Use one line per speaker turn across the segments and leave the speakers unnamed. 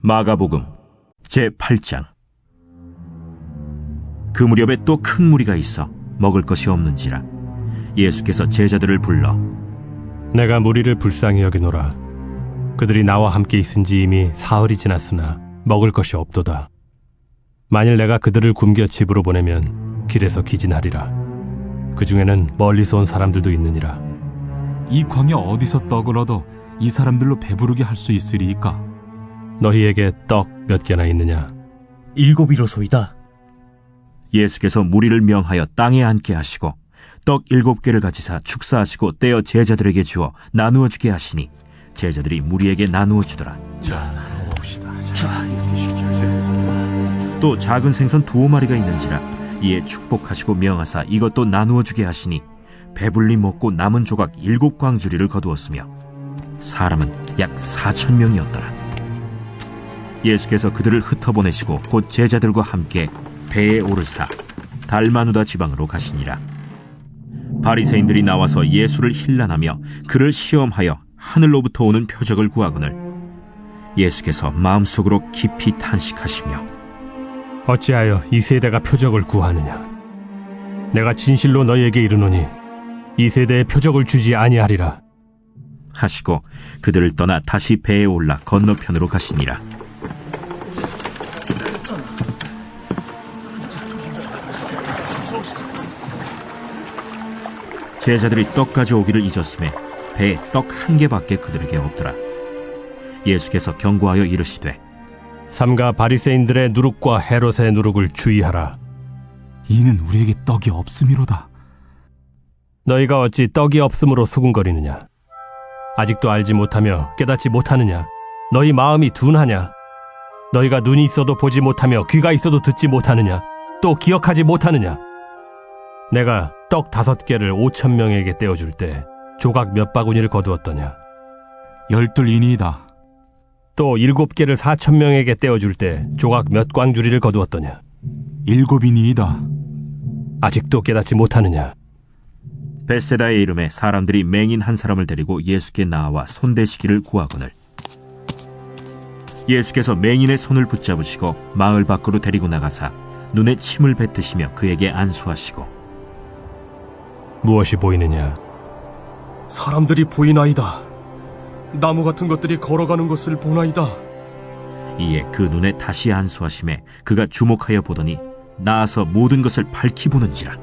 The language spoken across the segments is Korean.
마가복음 제8장. 그 무렵에 또 큰 무리가 있어 먹을 것이 없는지라 예수께서 제자들을 불러
내가 무리를 불쌍히 여기노라. 그들이 나와 함께 있은지 이미 사흘이 지났으나 먹을 것이 없도다. 만일 내가 그들을 굶겨 집으로 보내면 길에서 기진하리라. 그 중에는 멀리서 온 사람들도 있느니라.
이 광야 어디서 떡을 얻어 이 사람들로 배부르게 할 수 있으리이까?
너희에게 떡 몇 개나 있느냐?
7이로소이다.
예수께서 무리를 명하여 땅에 앉게 하시고 떡 7개를 가지사 축사하시고 떼어 제자들에게 주어 나누어 주게 하시니 제자들이 무리에게 나누어 주더라. 또 작은 생선 2마리가 있는지라 이에 축복하시고 명하사 이것도 나누어 주게 하시니 배불리 먹고 남은 조각 7광주리를 거두었으며 사람은 약 4,000명이었더라. 예수께서 그들을 흩어보내시고 곧 제자들과 함께 배에 오르사 달마누다 지방으로 가시니라. 바리새인들이 나와서 예수를 힐난하며 그를 시험하여 하늘로부터 오는 표적을 구하거늘 예수께서 마음속으로 깊이 탄식하시며
어찌하여 이 세대가 표적을 구하느냐? 내가 진실로 너희에게 이르노니 이 세대에 표적을 주지 아니하리라
하시고 그들을 떠나 다시 배에 올라 건너편으로 가시니라. 제자들이 떡 가져오기를 잊었음에 배에 떡 1개밖에 그들에게 없더라. 예수께서 경고하여 이르시되
삼가 바리새인들의 누룩과 헤롯의 누룩을 주의하라.
이는 우리에게 떡이 없음이로다.
너희가 어찌 떡이 없음으로 수군거리느냐? 아직도 알지 못하며 깨닫지 못하느냐? 너희 마음이 둔하냐? 너희가 눈이 있어도 보지 못하며 귀가 있어도 듣지 못하느냐? 또 기억하지 못하느냐? 내가 떡 5개를 5,000명에게 떼어줄 때 조각 몇 바구니를 거두었더냐?
12이니이다.
또 7개를 4,000명에게 떼어줄 때 조각 몇 광주리를 거두었더냐?
7이니이다.
아직도 깨닫지 못하느냐?
벳세다의 이름에 사람들이 맹인 한 사람을 데리고 예수께 나와 손대시기를 구하거늘 예수께서 맹인의 손을 붙잡으시고 마을 밖으로 데리고 나가사 눈에 침을 뱉으시며 그에게 안수하시고
무엇이 보이느냐?
사람들이 보이나이다. 나무 같은 것들이 걸어가는 것을 보나이다.
이에 그 눈에 다시 안수하심에 그가 주목하여 보더니 나아서 모든 것을 밝히 보는지라.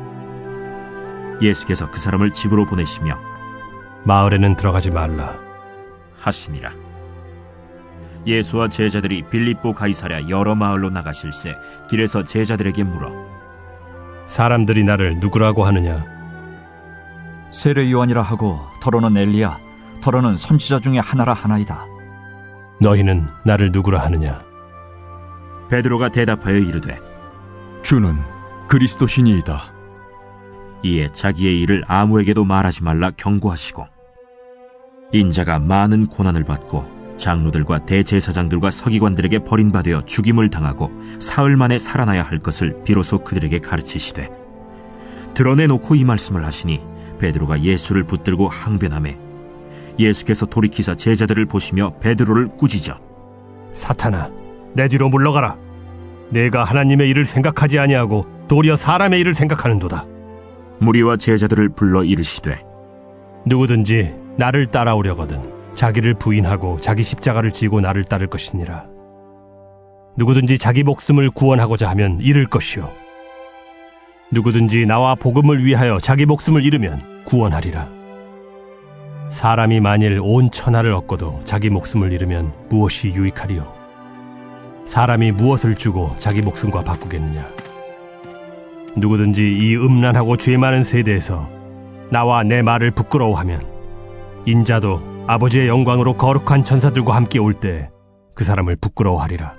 예수께서 그 사람을 집으로 보내시며
마을에는 들어가지 말라
하시니라. 예수와 제자들이 빌립보 가이사랴 여러 마을로 나가실새 길에서 제자들에게 물어
사람들이 나를 누구라고 하느냐?
세례 요한이라 하고 더러는 엘리야, 더러는 선지자 중에 하나라 하나이다.
너희는 나를 누구라 하느냐?
베드로가 대답하여 이르되
주는 그리스도시니이다.
이에 자기의 일을 아무에게도 말하지 말라 경고하시고 인자가 많은 고난을 받고 장로들과 대제사장들과 서기관들에게 버림받아 죽임을 당하고 사흘 만에 살아나야 할 것을 비로소 그들에게 가르치시되 드러내놓고 이 말씀을 하시니 베드로가 예수를 붙들고 항변하매 예수께서 돌이키사 제자들을 보시며 베드로를 꾸짖어
사탄아, 내 뒤로 물러가라. 내가 하나님의 일을 생각하지 아니하고 도리어 사람의 일을 생각하는도다.
무리와 제자들을 불러 이르시되
누구든지 나를 따라오려거든 자기를 부인하고 자기 십자가를 지고 나를 따를 것이니라. 누구든지 자기 목숨을 구원하고자 하면 잃을 것이요 누구든지 나와 복음을 위하여 자기 목숨을 잃으면 구원하리라. 사람이 만일 온 천하를 얻고도 자기 목숨을 잃으면 무엇이 유익하리요? 사람이 무엇을 주고 자기 목숨과 바꾸겠느냐? 누구든지 이 음란하고 죄 많은 세대에서 나와 내 말을 부끄러워하면 인자도 아버지의 영광으로 거룩한 천사들과 함께 올 때 그 사람을 부끄러워하리라.